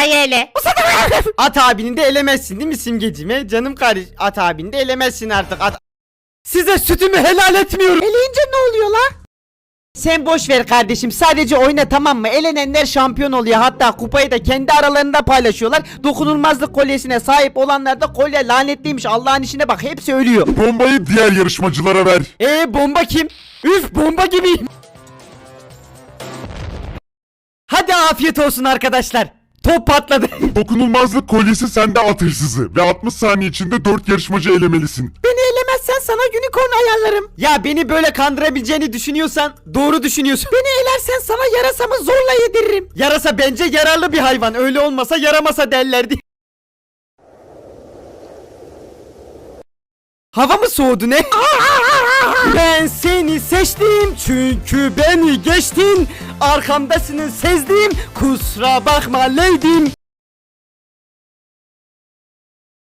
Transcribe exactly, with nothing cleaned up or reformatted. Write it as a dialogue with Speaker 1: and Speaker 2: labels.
Speaker 1: Musa'yı ele.
Speaker 2: At abini de elemezsin değil mi Simgeciğim? Canım kardeş, at abini de elemezsin artık. At... Size sütümü helal etmiyorum.
Speaker 1: Eleyince ne oluyor la?
Speaker 2: Sen boş ver kardeşim, sadece oyna, tamam mı? Elenenler şampiyon oluyor, hatta kupayı da kendi aralarında paylaşıyorlar. Dokunulmazlık kolyesine sahip olanlar da kolye lanetliymiş, Allah'ın işine bak, hepsi ölüyor.
Speaker 3: Bombayı diğer yarışmacılara ver.
Speaker 2: Eee bomba kim? Üf, bomba gibiyim. Hadi afiyet olsun arkadaşlar. Top patladı.
Speaker 3: Dokunulmazlık kolyesi sende, at hırsızı. Ve altmış saniye içinde dört yarışmacı elemelisin.
Speaker 2: Beni elemezsen sana unicorn ayarlarım. Ya beni böyle kandırabileceğini düşünüyorsan doğru düşünüyorsun. Beni elersen sana yarasamı zorla yediririm. Yarasa bence yararlı bir hayvan. Öyle olmasa yaramasa derlerdi. Hava mı soğudu ne? Ben seni seçtim çünkü beni geçtin. Arkamdasını sezdim. Kusura bakma leydim.